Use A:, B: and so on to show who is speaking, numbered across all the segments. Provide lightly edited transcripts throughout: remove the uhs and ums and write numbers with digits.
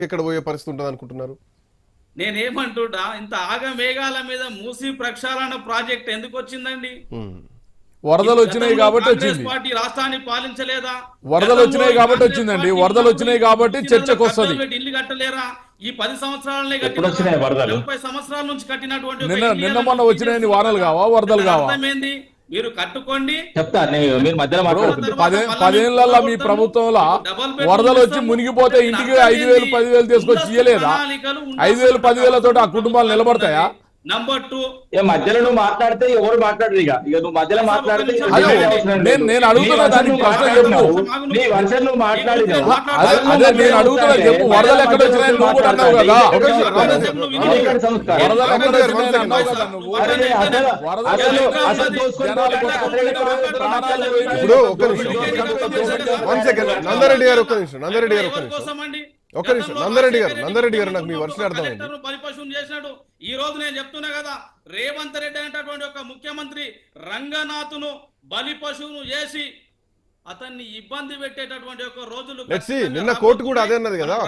A: ఎక్కడ పోయే పరిస్థితి ఉంటుంది అనుకుంటున్నారు?
B: నేనేమంటున్నా, ఇంత ఆగమేఘాల మీద మూసి ప్రక్షాళన ప్రాజెక్ట్ ఎందుకు వచ్చిందండి?
C: వరదలు వచ్చినాయి కాబట్టి వచ్చింది.
B: పార్టీ రాష్ట్రాన్ని పాలించలేదా?
C: వరదలు వచ్చినాయి కాబట్టి వచ్చిందండి. వరదలు వచ్చినాయి కాబట్టి చర్చకు వస్తుంది.
B: ఇల్లు కట్టలేరా? ఈ 10 సంవత్సరాలనే 30 సంవత్సరాల నుంచి కట్టినటువంటి
C: నిన్న మొన్న వచ్చినాయని వానలు కావా, వరదలు కావా?
B: అర్థమైంది. మీరు కట్టుకోండి.
D: చెప్తా మీరు మధ్యలో మాట్లాడుతున్నారు.
C: 10 మీ ప్రభుత్వంలో వరదలు వచ్చి మునిగిపోతే ఇంటికి 5,000 10,000 తీసుకొచ్చి ఇయ్యలేదా? 5,000 10,000 తోటి ఆ కుటుంబాలు నిలబడతాయా?
B: నంబర్ 2,
D: మధ్యలో నువ్వు మాట్లాడితే ఎవరు మాట్లాడరు. ఇక నువ్వు మధ్యలో మాట్లాడితే
C: నేను అడుగుతున్నా, దానికి ప్రశ్న చెప్పు.
D: నీ వర్షన్ నువ్వు మాట్లాడి
C: అదే నేను అడుగుతున్నా, చెప్పు. వరదలు ఎక్కడ వచ్చినాయని నువ్వు కూడా అన్నావు కదా. వరదలు ఎక్కడ వచ్చినాయని అన్నావు కదా నువ్వు.
A: ఇప్పుడు ఒక్క నిమిషం, నందారెడ్డి గారు ఒక్క నిమిషం, నందారెడ్డి గారు నాకు మీ వర్షం అర్థమైంది.
B: బలిపశువుని చేసినాడు. ఈ రోజు నేను చెప్తున్నా కదా, రేవంత్ రెడ్డి అనేటటువంటి ఒక ముఖ్యమంత్రి రంగనాథ్ను బలిపశువును చేసి అతన్ని ఇబ్బంది పెట్టేటటువంటి ఒక రోజులు.
A: నిన్న కోర్టు కూడా అదే అన్నది కదా,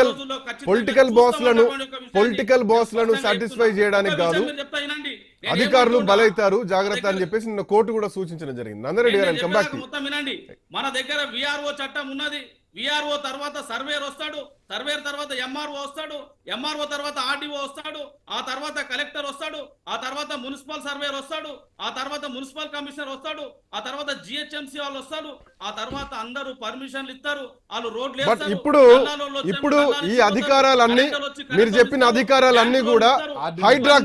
A: పొలిటికల్ బాస్లను సాటిస్ఫై చేయడానికి కాదు, అధికారులు బలైతారు జాగ్రత్త అని చెప్పేసి నిన్న కోర్టు కూడా సూచించడం జరిగింది. నందరెడ్డి గారు
B: మొత్తం వినండి. మన దగ్గర విఆర్ఓ చట్టం ఉన్నది. విఆర్ఓ తర్వాత సర్వేర్ వస్తాడు, సర్వేర్ తర్వాత ఎంఆర్ఓ వస్తాడు, ఎంఆర్ఓ తర్వాత ఆర్డీఓ వస్తాడు, ఆ తర్వాత కలెక్టర్ వస్తాడు, ఆ తర్వాత మున్సిపల్ సర్వేర్ వస్తాడు, ఆ తర్వాత మున్సిపల్ కమిషనర్ వస్తాడు, ఆ తర్వాత జిహెచ్ఎంసీ వాళ్ళు వస్తాడు, ఆ తర్వాత అందరూ పర్మిషన్లు ఇస్తారు, వాళ్ళు రోడ్లు.
A: ఇప్పుడు ఈ అధికారాలన్నీ, మీరు చెప్పిన అధికారాలన్నీ కూడా హైడ్రా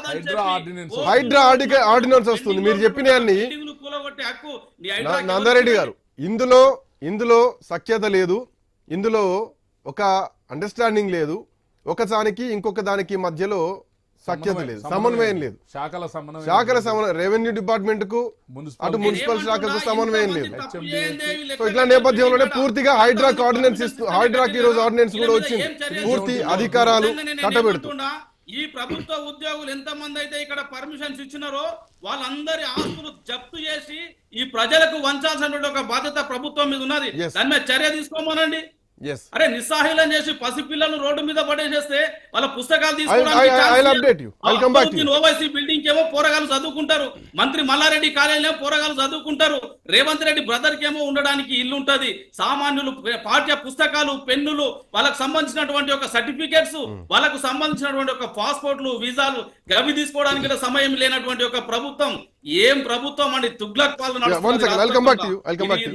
A: ఆర్డినెన్స్ వస్తుంది. మీరు చెప్పిన అన్ని నందారెడ్డి గారు, ఇందులో సఖ్యత లేదు, ఇందులో ఒక అండర్స్టాండింగ్ లేదు, ఒకదానికి ఇంకొక దానికి మధ్యలో సఖ్యత లేదు, సమన్వయం లేదు. శాఖల సమన్వయం, రెవెన్యూ డిపార్ట్మెంట్ కు అటు మున్సిపల్ శాఖకు సమన్వయం లేదు. సో ఇట్లా నేపథ్యంలోనే పూర్తిగా హైడ్రాకి ఈ రోజు ఆర్డినెన్స్ కూడా వచ్చింది, పూర్తి అధికారాలు కట్టబెడుతుంది.
B: ఈ ప్రభుత్వ ఉద్యోగులు ఎంతమంది అయితే ఇక్కడ పర్మిషన్స్ ఇచ్చినారో వాళ్ళందరి ఆస్తులు జప్తు చేసి ఈ ప్రజలకు వంచాల్సిన ఒక బాధ్యత ప్రభుత్వం మీద ఉన్నది. దాని మీద చర్య తీసుకోమనండి. అరే, నిస్సహాయం చేసి పసిపిల్లలు రోడ్డు మీద పడేసేస్తే వాళ్ళ పుస్తకాలు తీసుకోవడానికి ఓవైసీ బిల్డింగ్ ఏమో పోరగాలు చదువుకుంటారు, మంత్రి మల్లారెడ్డి కాలేజీలో పోరగాలు చదువుకుంటారు, రేవంత్ రెడ్డి బ్రదర్ కేమో ఉండడానికి ఇల్లు ఉంటది, సామాన్యులు పాఠ్య పుస్తకాలు, పెన్నులు, వాళ్ళకు సంబంధించినటువంటి ఒక సర్టిఫికేట్స్, వాళ్ళకు సంబంధించినటువంటి ఒక పాస్పోర్ట్లు, వీసాలు గవి తీసుకోవడానికి సమయం లేనటువంటి ఒక ప్రభుత్వం ఏం ప్రభుత్వం అండి? తుగ్లక్ పాలన.